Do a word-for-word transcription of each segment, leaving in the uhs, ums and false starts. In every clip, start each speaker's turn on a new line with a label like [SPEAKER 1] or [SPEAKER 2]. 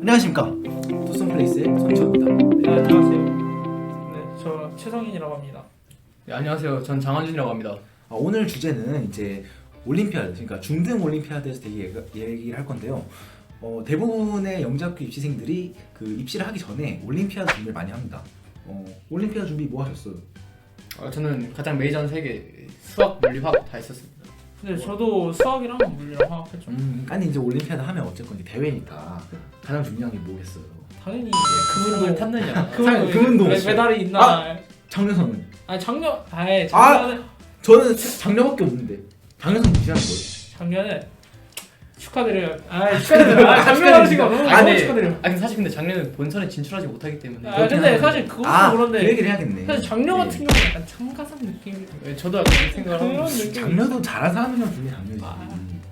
[SPEAKER 1] 안녕하십니까, 투썸플레이스의 손지호입니다.
[SPEAKER 2] 네, 안녕하세요. 네, 저 최성인이라고 합니다.
[SPEAKER 3] 네, 안녕하세요. 전 장한준이라고 합니다.
[SPEAKER 1] 아, 오늘 주제는 이제 올림피아드, 그러니까 중등 올림피아드에서 되게 얘기를 할 건데요. 어, 대부분의 영재학교 입시생들이 그 입시를 하기 전에 올림피아드 준비를 많이 합니다. 어, 올림피아드 준비 뭐 하셨어요?
[SPEAKER 3] 어, 저는 가장 메이저한 세 개 수학, 물리, 화학 다 했었습니다.
[SPEAKER 2] 근데 저도 수학이랑 물리랑 화학했죠.
[SPEAKER 1] 음, 아니 이제 올림피아드 하면 어쨌건 이제 대회니까 가장 중요한 게 뭐겠어요?
[SPEAKER 2] 당연히
[SPEAKER 3] 금운동을
[SPEAKER 2] 금운동
[SPEAKER 3] 탔느냐.
[SPEAKER 2] 금운동
[SPEAKER 1] 금운동
[SPEAKER 2] 메- 메달이 있나?
[SPEAKER 1] 아! 장려선은?
[SPEAKER 2] 아니 작년, 아예
[SPEAKER 1] 아!
[SPEAKER 2] 작년에
[SPEAKER 1] 저는 장려밖에 없는데 장려선 무시하는 거예요?
[SPEAKER 2] 작년에 축하드려요. 아 축하드려요. 아, 작년 하신 거 너무
[SPEAKER 3] 아니,
[SPEAKER 2] 너무 축하드려요.
[SPEAKER 3] 아니 사실 근데 작년에 본선에 진출하지 못하기 때문에
[SPEAKER 2] 아 근데 사실 그것도
[SPEAKER 1] 아,
[SPEAKER 2] 그런데
[SPEAKER 1] 그 얘기를 해야겠네.
[SPEAKER 2] 사실 작년
[SPEAKER 1] 네.
[SPEAKER 2] 같은 경우는 약간 참가상 느낌.
[SPEAKER 3] 네, 저도 약간 그렇게 생각을 하고
[SPEAKER 2] 그런
[SPEAKER 3] 있어요.
[SPEAKER 2] 느낌.
[SPEAKER 1] 장려도 잘한 사람이면 분명히 장려지.
[SPEAKER 2] 아.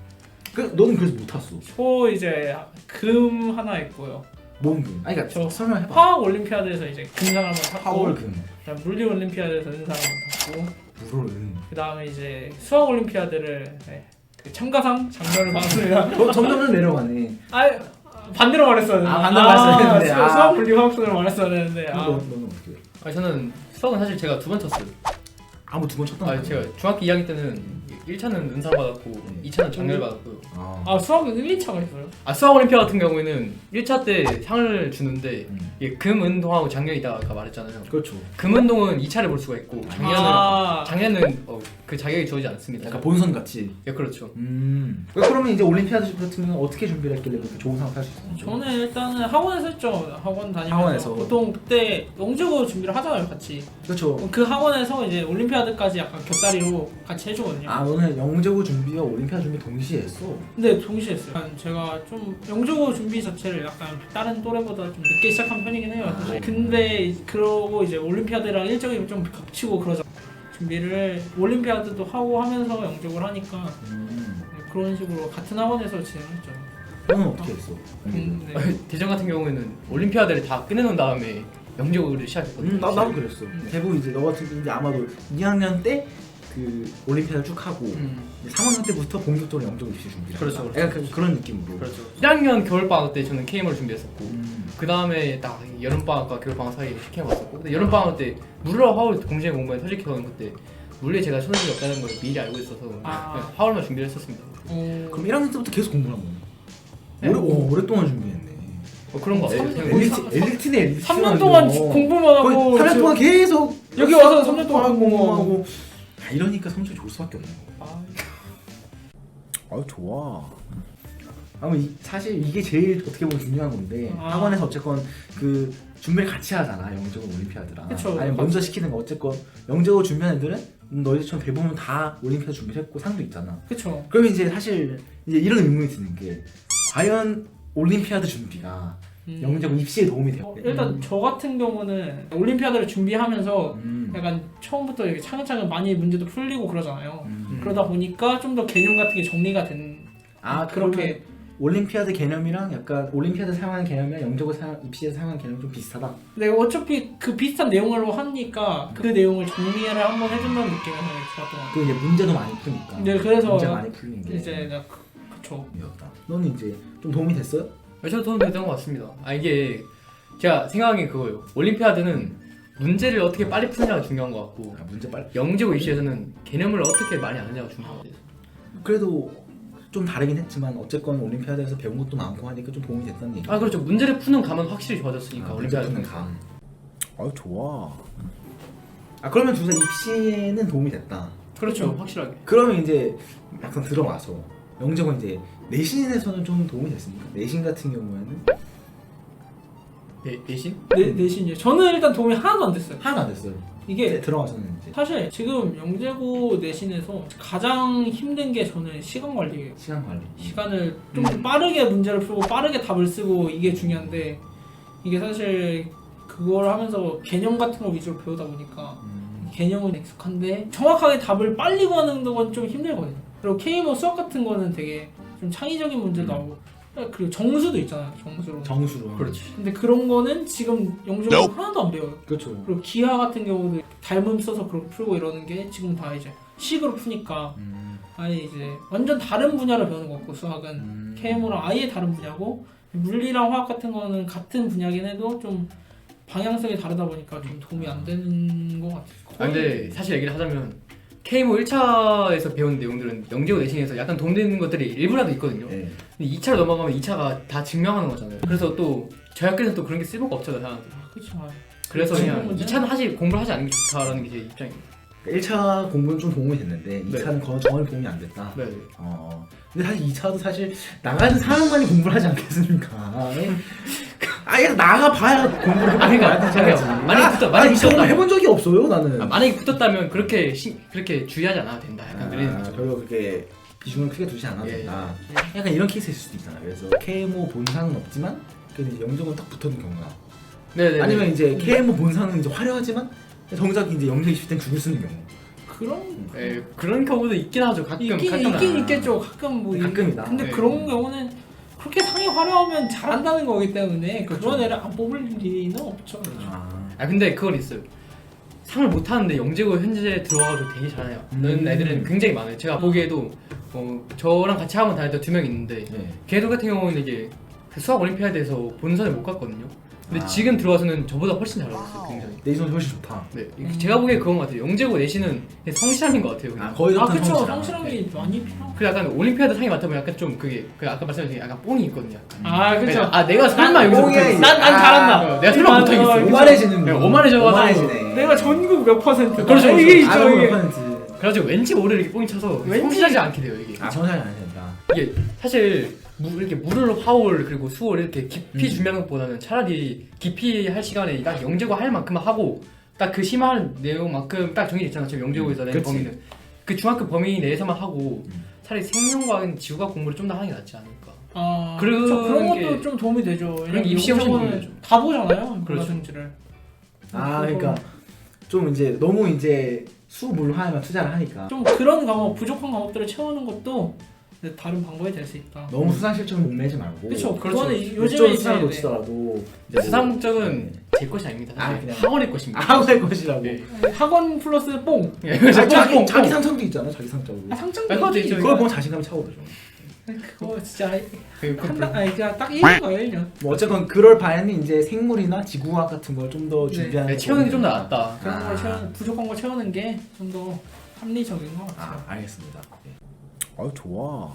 [SPEAKER 1] 그 너는 그래서 못 탔어.
[SPEAKER 2] 저 이제 금 하나 있고요.
[SPEAKER 1] 뭔금? 아니 그러니까
[SPEAKER 2] 저
[SPEAKER 1] 설명해봐.
[SPEAKER 2] 화학 올림피아드에서 이제 금상 한번 탔고,
[SPEAKER 1] 파월금,
[SPEAKER 2] 그다음 물리 올림피아드에서 은상 한번 탔고.
[SPEAKER 1] 물은.
[SPEAKER 2] 그 다음에 이제 수학 올림피아드를 네, 그 참가상 장면을 봤습니다.
[SPEAKER 1] 저 점점 내려가네.
[SPEAKER 2] 아 반대로 말했어야 되는데.
[SPEAKER 1] 아, 반대로 말했어야 되는데.
[SPEAKER 2] 수-
[SPEAKER 1] 아.
[SPEAKER 2] 수학 물리 화학순을 말했어야 되는데.
[SPEAKER 1] 너,
[SPEAKER 2] 아,
[SPEAKER 1] 너는 어떻게?
[SPEAKER 3] 아니, 저는 수학은 사실 제가 두 번 쳤어요.
[SPEAKER 1] 아무 두 번 쳤던
[SPEAKER 3] 아,
[SPEAKER 1] 거야?
[SPEAKER 3] 제가 중학교 이 학년 때는 일 차는 은상 받았고
[SPEAKER 1] 네.
[SPEAKER 3] 이 차는 장렬 받았고요.
[SPEAKER 1] 아.
[SPEAKER 2] 아 수학은 일, 이 차가 있어요.
[SPEAKER 3] 아, 수학 올림피아 같은 경우에는 일 차 때 상을 주는데
[SPEAKER 1] 음.
[SPEAKER 3] 이게 금, 은동하고 장렬이다 아까 말했잖아요.
[SPEAKER 1] 그렇죠.
[SPEAKER 3] 금, 은동은 이 차를 볼 수가 있고 장렬은
[SPEAKER 2] 아,
[SPEAKER 3] 장례는 어, 그 자격이 주어지지 않습니다.
[SPEAKER 1] 약간 본선 같이.
[SPEAKER 3] 예, 그렇죠.
[SPEAKER 1] 음. 그러면 이제 올림피아드 같은 경우는 어떻게 준비를 했길래 그렇게 좋은 상을 탈 수 있었어요?
[SPEAKER 2] 저는 일단은 학원에서 했죠. 학원 다니면서
[SPEAKER 1] 학원에서.
[SPEAKER 2] 보통 그때 영재고 준비를 하잖아요, 같이.
[SPEAKER 1] 그렇죠.
[SPEAKER 2] 그 학원에서 이제 올림피아드까지 약간 곁다리로 같이 해주거든요.
[SPEAKER 1] 아, 너는 영재고 준비와 올림피아드 준비 동시에 했어?
[SPEAKER 2] 근데 동시에 했어요. 약간 제가 좀 영재고 준비 자체를 약간 다른 또래보다 좀 늦게 시작한 편이긴 해요. 사실.
[SPEAKER 1] 아,
[SPEAKER 2] 근데 그러고 이제 올림피아드랑 일정이 좀 겹치고 그러죠. 준비를 올림피아드도 하고 하면서 영접을 하니까
[SPEAKER 1] 음.
[SPEAKER 2] 그런 식으로 같은 학원에서 진행했죠.
[SPEAKER 1] 너는 어떻게 했어?
[SPEAKER 2] 음, 네.
[SPEAKER 3] 대전 같은 경우에는 올림피아드를 다 끝내놓은 다음에 영재고를 시작했거든요.
[SPEAKER 1] 음, 나, 나도 그랬어.
[SPEAKER 2] 음.
[SPEAKER 1] 대부분 이제 너 같은 경우 이제 아마도 이 학년 때 그 올림피아드 쭉 하고
[SPEAKER 3] 음,
[SPEAKER 1] 이제 삼 학년 때부터 본격적으로 영재고 입시 준비를
[SPEAKER 3] 그렇죠,
[SPEAKER 1] 한다.
[SPEAKER 3] 그렇죠.
[SPEAKER 1] 약간 그, 그런 느낌으로.
[SPEAKER 3] 그렇죠. 일 학년 겨울방학 때 저는 케이엠을 준비했었고
[SPEAKER 1] 음.
[SPEAKER 3] 그 다음에 딱 여름방학과 겨울방학 사이에 시켜 봤었고 근데 여름방학 때 물리와 화울 동시에 공부해 솔직히 저는 그때 물리에 제가 초능력이 없다는 걸 미리 알고 있어서
[SPEAKER 2] 아.
[SPEAKER 3] 그냥 화울만 준비를 했었습니다.
[SPEAKER 2] 어,
[SPEAKER 1] 그럼 일 학년 때부터 계속 공부를 한 거네.
[SPEAKER 3] 네.
[SPEAKER 1] 오래, 오, 오랫동안 준비했네.
[SPEAKER 3] 어, 그런 거
[SPEAKER 2] 삼
[SPEAKER 3] 같아요.
[SPEAKER 2] 년-
[SPEAKER 1] 엘리트, 엘리트네, 엘리트.
[SPEAKER 2] 삼 년 동안 공부만 하고
[SPEAKER 1] 삼 년 동안 계속
[SPEAKER 2] 여기 와서 삼 년 동안
[SPEAKER 1] 공부하고. 아, 이러니까 성적이 좋을 수밖에 없는 거.
[SPEAKER 2] 아,
[SPEAKER 1] 아유, 좋아. 아무 이, 사실 이게 제일 어떻게 보면 중요한 건데
[SPEAKER 2] 아.
[SPEAKER 1] 학원에서 어쨌건 그 준비를 같이 하잖아, 영재고 올림피아드랑.
[SPEAKER 2] 그쵸.
[SPEAKER 1] 아니 먼저 시키는 거 어쨌건 영재고 준비한 애들은 음, 너희들처럼 대부분 다 올림피아드 준비를 했고 상도 있잖아.
[SPEAKER 2] 그쵸.
[SPEAKER 1] 그러면 이제 사실 이제 이런 의문이 드는 게 과연 올림피아드 준비가
[SPEAKER 2] 음.
[SPEAKER 1] 영재고 입시에 도움이 돼요?
[SPEAKER 2] 어, 일단 저 같은 경우는 올림피아드를 준비하면서
[SPEAKER 1] 음.
[SPEAKER 2] 약간 처음부터 이렇게 차근차근 많이 문제도 풀리고 그러잖아요.
[SPEAKER 1] 음.
[SPEAKER 2] 그러다 보니까 좀 더 개념 같은 게 정리가 된
[SPEAKER 1] 아,
[SPEAKER 2] 그렇게
[SPEAKER 1] 그렇게 올림피아드 개념이랑 약간 올림피아드 사용하는 개념이랑 영재고 사용, 입시에서 사용하는 개념이 좀 비슷하다.
[SPEAKER 2] 근데 어차피 그 비슷한 내용으로 하니까 그 내용을 정리를 한번 해준다는 느낌에서 좋았던 것 같아요.
[SPEAKER 1] 그 이제 문제도 많이 푸니까.
[SPEAKER 2] 네, 그래서
[SPEAKER 1] 문제 많이 풀린 게
[SPEAKER 2] 이제 내가 그, 그쵸.
[SPEAKER 1] 이었다. 너는 이제 좀 도움이 됐어요?
[SPEAKER 3] 저도 도움 됐던 것 같습니다. 아 이게 제가 생각하기엔 그거예요. 올림피아드는 문제를 어떻게 빨리 푸느냐가 중요한 것 같고
[SPEAKER 1] 아, 문제 빨리.
[SPEAKER 3] 영재고 입시에서는 개념을 어떻게 많이 아느냐가 중요한 것 같아요.
[SPEAKER 1] 그래도 좀 다르긴 했지만 어쨌건 올림피아드에서 배운 것도 많고 하니까 좀 도움이 됐다는 얘기.
[SPEAKER 3] 아 그렇죠. 문제를 푸는 감은 확실히 좋아졌으니까
[SPEAKER 1] 아,
[SPEAKER 3] 올림피아드는
[SPEAKER 1] 문제 푸는 감. 아유, 좋아. 아, 그러면 둘 다 입시에는 도움이 됐다.
[SPEAKER 3] 그렇죠. 확실하게.
[SPEAKER 1] 그러면 이제 약간 들어와서 영재고 이제 내신에서는 좀 도움이 됐습니까? 내신 같은 경우에는
[SPEAKER 3] 내, 내신?
[SPEAKER 2] 내, 내신이요. 저는 일단 도움이 하나도 안 됐어요.
[SPEAKER 1] 하나도 안 됐어요.
[SPEAKER 2] 이게
[SPEAKER 1] 이제 들어와서는 이제
[SPEAKER 2] 사실 지금 영재고 내신에서 가장 힘든 게 저는 시간 관리예요.
[SPEAKER 1] 시간 관리.
[SPEAKER 2] 시간을 좀
[SPEAKER 3] 음.
[SPEAKER 2] 빠르게 문제를 풀고 빠르게 답을 쓰고 이게 중요한데 이게 사실 그걸 하면서 개념 같은 거 위주로 배우다 보니까
[SPEAKER 1] 음.
[SPEAKER 2] 개념은 익숙한데 정확하게 답을 빨리 구하는 건 좀 힘들거든요. 그리고 케이엠오 수학 같은 거는 되게 좀 창의적인 문제도
[SPEAKER 1] 음.
[SPEAKER 2] 나오고 그리고 정수도 있잖아요. 정수로.
[SPEAKER 1] 정수로.
[SPEAKER 3] 그렇지.
[SPEAKER 2] 근데 그런 거는 지금 영재고 하나도 안 배워요.
[SPEAKER 1] 그렇죠.
[SPEAKER 2] 그리고 기하 같은 경우도 닮음 써서 그렇게 풀고 이러는 게 지금 다 이제 식으로 푸니까
[SPEAKER 1] 음.
[SPEAKER 2] 아예 이제 완전 다른 분야를 배우는 것 같고 수학은
[SPEAKER 1] 음.
[SPEAKER 2] 케이엠오랑 아예 다른 분야고 물리랑 화학 같은 거는 같은 분야긴 해도 좀 방향성이 다르다 보니까 좀 도움이 안 되는 것 같아요.
[SPEAKER 3] 아, 근데 사실 얘기를 하자면 케이모 일 차에서 배운 내용들은 영재고 내신에서 약간 도움되는 것들이 일부라도 있거든요.
[SPEAKER 1] 네.
[SPEAKER 3] 근데 이 차로 넘어가면 이 차가 다 증명하는 거잖아요. 그래서 또 저희 학교에서 또 그런 게 쓸모가 없잖아요, 사람들.
[SPEAKER 2] 그렇죠.
[SPEAKER 3] 그래서
[SPEAKER 2] 증명
[SPEAKER 3] 그냥
[SPEAKER 2] 문제는-
[SPEAKER 3] 이 차는 하지 공부를 하지 않는 게 좋다라는 게 제 입장입니다.
[SPEAKER 1] 일 차 공부는 좀 도움이 됐는데 이 차는 거 전혀 도움이 안 됐다.
[SPEAKER 3] 네.
[SPEAKER 1] 어. 근데 사실 이 차도 사실 나가는 사람만이 공부를 하지 않겠습니까? 예? 아예 나가 봐야 공부를
[SPEAKER 3] 아, 그러니까
[SPEAKER 1] 해봐야 되지.
[SPEAKER 3] 그러니까 만약에 붙어-
[SPEAKER 1] 아,
[SPEAKER 3] 만약에
[SPEAKER 1] 이 시험을
[SPEAKER 3] 붙었다.
[SPEAKER 1] 해본 적이 없어요 나는.
[SPEAKER 3] 아, 만약에 붙었다면 그렇게 시, 그렇게 주의하지 않아도 된다. 약간 그런
[SPEAKER 1] 아,
[SPEAKER 3] 거죠.
[SPEAKER 1] 별로 그렇게 비중을 크게 두지 않아도
[SPEAKER 3] 예.
[SPEAKER 1] 된다. 약간 이런 케이스일 수도 있잖아요. 그래서 케이엠오 본사는 없지만 그래도 이제 영적은 딱 붙었는 경우가.
[SPEAKER 3] 네네.
[SPEAKER 1] 아니면 이제 케이엠오 본사는 이제 화려하지만 정작 이제 영적 입시 때는 죽을 쓰는 경우.
[SPEAKER 2] 그런
[SPEAKER 3] 예, 그런 경우도 있긴 하죠. 가끔
[SPEAKER 2] 있긴
[SPEAKER 3] 가끔
[SPEAKER 2] 있긴
[SPEAKER 1] 아.
[SPEAKER 2] 있겠죠. 가끔 뭐 이-
[SPEAKER 1] 가끔이다.
[SPEAKER 2] 근데
[SPEAKER 3] 네.
[SPEAKER 2] 그런 경우는 그렇게 상이 화려하면 잘한다는 거기 때문에 그런
[SPEAKER 1] 그렇죠.
[SPEAKER 2] 애를 안 뽑을 리는 없죠.
[SPEAKER 1] 아.
[SPEAKER 3] 아 근데 그건 있어요. 상을 못 타는데 영재고 현재 들어와가지고 되게 잘해요. 는
[SPEAKER 1] 음.
[SPEAKER 3] 애들은 굉장히 많아요. 제가 보기에도 어, 저랑 같이 학원 다녔던 두 명 있는데
[SPEAKER 1] 네.
[SPEAKER 3] 걔들 같은 경우는 이게 그 수학 올림피아드에서 본선에 못 갔거든요. 근데
[SPEAKER 1] 아.
[SPEAKER 3] 지금 들어와서는 저보다 훨씬 잘하고 있어요. 굉장히.
[SPEAKER 1] 내신은 훨씬 좋다.
[SPEAKER 3] 네,
[SPEAKER 2] 음.
[SPEAKER 3] 제가 보기에 그건 것 같아요. 영재고 내신은 그냥 성실함인 것 같아요. 그냥.
[SPEAKER 1] 아 거의
[SPEAKER 2] 아
[SPEAKER 1] 다
[SPEAKER 2] 그쵸.
[SPEAKER 1] 성실함.
[SPEAKER 2] 성실함이 많이 필요.
[SPEAKER 3] 그 약간 올림피아드 상이 맡아보면 약간 좀 그게 그 아까 말씀하신 게 약간 뽕이 있거든요. 약간.
[SPEAKER 2] 아 그쵸.
[SPEAKER 3] 아 내가 설마 여기서
[SPEAKER 1] 뽕이
[SPEAKER 3] 못하겠어.
[SPEAKER 2] 난, 난
[SPEAKER 1] 아,
[SPEAKER 2] 잘한다.
[SPEAKER 3] 어, 내가 설마
[SPEAKER 2] 난,
[SPEAKER 3] 못하겠어.
[SPEAKER 2] 어, 그쵸.
[SPEAKER 1] 오만해지는
[SPEAKER 3] 네,
[SPEAKER 1] 거.
[SPEAKER 3] 오만해져가지고
[SPEAKER 1] 오만해지네.
[SPEAKER 2] 내가 전국 몇 퍼센트.
[SPEAKER 3] 그렇죠,
[SPEAKER 2] 이게
[SPEAKER 3] 그렇죠.
[SPEAKER 2] 있죠.
[SPEAKER 1] 아,
[SPEAKER 2] 이게.
[SPEAKER 1] 몇 퍼센트.
[SPEAKER 3] 그래가지고 왠지 모르게 이렇게 뽕이 차서
[SPEAKER 2] 왠지-
[SPEAKER 3] 성실하지 않게 돼요 이게.
[SPEAKER 1] 아 성실하지 않아야 된다.
[SPEAKER 3] 이게 사실 무, 이렇게 물을 화올 그리고 수월 이렇게 깊이
[SPEAKER 1] 음.
[SPEAKER 3] 준비하는 것보다는 차라리 깊이 할 시간에 딱 영재고 할 만큼만 하고 딱 그 심한 내용만큼 딱 정해졌잖아. 지금 영재고에서 낸
[SPEAKER 1] 그치.
[SPEAKER 3] 범위는 그 중학교 범위 내에서만 하고
[SPEAKER 1] 음.
[SPEAKER 3] 차라리 생명과학은 지구과학 공부를 좀 더 하는 게 낫지 않을까.
[SPEAKER 2] 아
[SPEAKER 3] 그런
[SPEAKER 2] 그쵸. 그런 것도
[SPEAKER 3] 게-
[SPEAKER 2] 좀 도움이 되죠.
[SPEAKER 3] 그런 게 입시 훨씬 도움이 되죠.
[SPEAKER 2] 다 보잖아요.
[SPEAKER 3] 그렇죠.
[SPEAKER 2] 문화생지를.
[SPEAKER 1] 아 그러니까 좀 이제 너무 이제 수물화에만 투자를 하니까
[SPEAKER 2] 좀 그런 과목 부족한 과목들을 채우는 것도 이제 다른 방법이 될 수 있다.
[SPEAKER 1] 너무 수상 실적을 목매지 말고.
[SPEAKER 2] 그쵸.
[SPEAKER 3] 그렇죠.
[SPEAKER 2] 그거는
[SPEAKER 1] 요즘에
[SPEAKER 2] 요즘에
[SPEAKER 1] 수상을
[SPEAKER 2] 이제
[SPEAKER 1] 놓치더라도 이제 뭐-
[SPEAKER 3] 수상 목적은
[SPEAKER 1] 네.
[SPEAKER 3] 제 것이 아닙니다.
[SPEAKER 1] 아,
[SPEAKER 3] 사실
[SPEAKER 1] 그냥-
[SPEAKER 3] 학원의 것입니다.
[SPEAKER 1] 아무 할 것이라고.
[SPEAKER 3] 네.
[SPEAKER 2] 학원 플러스 뽕.
[SPEAKER 3] 예,
[SPEAKER 1] 아,
[SPEAKER 3] 그래서
[SPEAKER 1] 자기,
[SPEAKER 3] 뽕,
[SPEAKER 1] 자기
[SPEAKER 3] 뽕.
[SPEAKER 1] 상처도 있잖아. 자기 상처도.
[SPEAKER 2] 아, 상장도
[SPEAKER 3] 아, 그것도
[SPEAKER 2] 있지.
[SPEAKER 3] 있죠.
[SPEAKER 1] 그걸 보면 자신감이 차오르죠.
[SPEAKER 2] 그거 진짜
[SPEAKER 3] 그- 그-
[SPEAKER 2] 한달 아니 그냥 딱 일 년 거예요 일 년.
[SPEAKER 1] 뭐 어쨌건 그럴 바에는 이제 생물이나 지구과학 같은 걸 좀 더
[SPEAKER 2] 네.
[SPEAKER 1] 준비하는
[SPEAKER 3] 네, 채우는 게 좀 더
[SPEAKER 1] 거니까.
[SPEAKER 3] 낫다.
[SPEAKER 2] 그런
[SPEAKER 1] 아.
[SPEAKER 2] 걸 채우는 부족한 걸 채우는 게 좀 더 합리적인 것 같아요.
[SPEAKER 1] 아 알겠습니다. 네. 아유 좋아.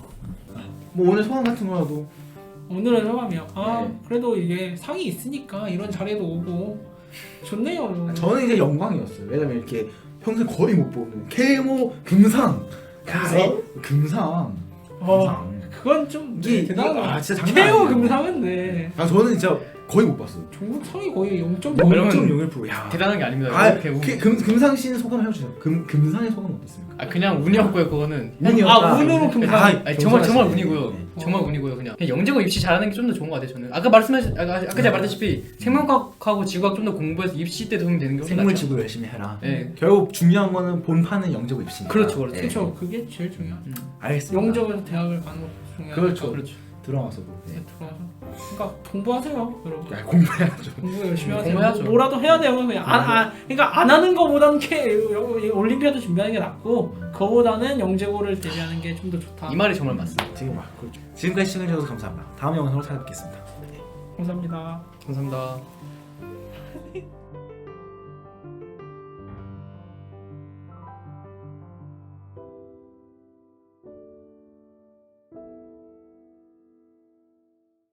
[SPEAKER 1] 뭐 오늘 소감 같은 거라도.
[SPEAKER 2] 오늘의 소감이요. 아
[SPEAKER 1] 네.
[SPEAKER 2] 그래도 이게 상이 있으니까 이런 자리에도 오고 좋네요.
[SPEAKER 1] 저는 이제 영광이었어요. 왜냐면 이렇게 평생 거의 못 보는 케이모 금상.
[SPEAKER 2] 금상?
[SPEAKER 1] 야, 금상.
[SPEAKER 2] 어,
[SPEAKER 1] 금상.
[SPEAKER 2] 그건 좀
[SPEAKER 1] 이게
[SPEAKER 2] 네, 대단하다.
[SPEAKER 1] 이게- 아 진짜 장난
[SPEAKER 2] 케어
[SPEAKER 1] 아니에요.
[SPEAKER 2] 금상은 네.
[SPEAKER 1] 아 저는 진짜 거의 못 봤어요.
[SPEAKER 2] 중국 상이 거의 영 점
[SPEAKER 3] 뭐
[SPEAKER 2] 영.
[SPEAKER 3] 그러면
[SPEAKER 1] 영점영일 퍼센트. 야.
[SPEAKER 3] 대단한 게 아닙니다.
[SPEAKER 1] 아,
[SPEAKER 3] 이렇게 운-
[SPEAKER 1] 그, 금 금상 씨는 소감 해주세요. 금 금상의 소감 어떻습니까?
[SPEAKER 3] 아 그냥 운이었고요 그거는.
[SPEAKER 1] 운이었다.
[SPEAKER 2] 아, 운으로 금상.
[SPEAKER 1] 아,
[SPEAKER 3] 아니, 정말 정말
[SPEAKER 1] 겸손하시네.
[SPEAKER 3] 운이고요.
[SPEAKER 1] 네.
[SPEAKER 3] 정말 운이고요. 그냥, 그냥 영재고 입시 잘하는 게 좀 더 좋은 것 같아요. 저는 아까 말씀하신 아까, 아까 제가 말했다시피 생명과학하고 지구과학 좀 더 공부해서 입시 때 도움이 되는 게 훨씬
[SPEAKER 1] 생물
[SPEAKER 3] 낫죠.
[SPEAKER 1] 지구 열심히 해라.
[SPEAKER 3] 네.
[SPEAKER 1] 결국 중요한 거는 본판은 영재고 입시니까.
[SPEAKER 3] 그렇죠, 그렇죠.
[SPEAKER 2] 그렇죠. 그게 제일 중요한.
[SPEAKER 3] 음.
[SPEAKER 1] 알겠습니다.
[SPEAKER 2] 영적으로 대학을 가는 것도 중요하고.
[SPEAKER 1] 그렇죠.
[SPEAKER 3] 그렇죠.
[SPEAKER 1] 들어와서도. 네.
[SPEAKER 2] 들어와서. 그러니까 공부하세요, 여러분.
[SPEAKER 1] 야, 공부해야죠.
[SPEAKER 2] 공부 열심히 하세요.
[SPEAKER 3] 공부해야죠.
[SPEAKER 2] 뭐, 뭐라도 해야 돼요. 그냥 안, 안, 그러니까 안 하는 거보다는 캐, 올림피아드 준비하는 게 낫고, 그거보다는 영재고를 대비하는 게 좀 더 좋다.
[SPEAKER 3] 이 말이 정말 맞습니다.
[SPEAKER 1] 지금 와, 그렇죠. 지금까지 시청해주셔서 감사합니다. 다음 영상으로 찾아뵙겠습니다.
[SPEAKER 2] 감사합니다.
[SPEAKER 3] 감사합니다.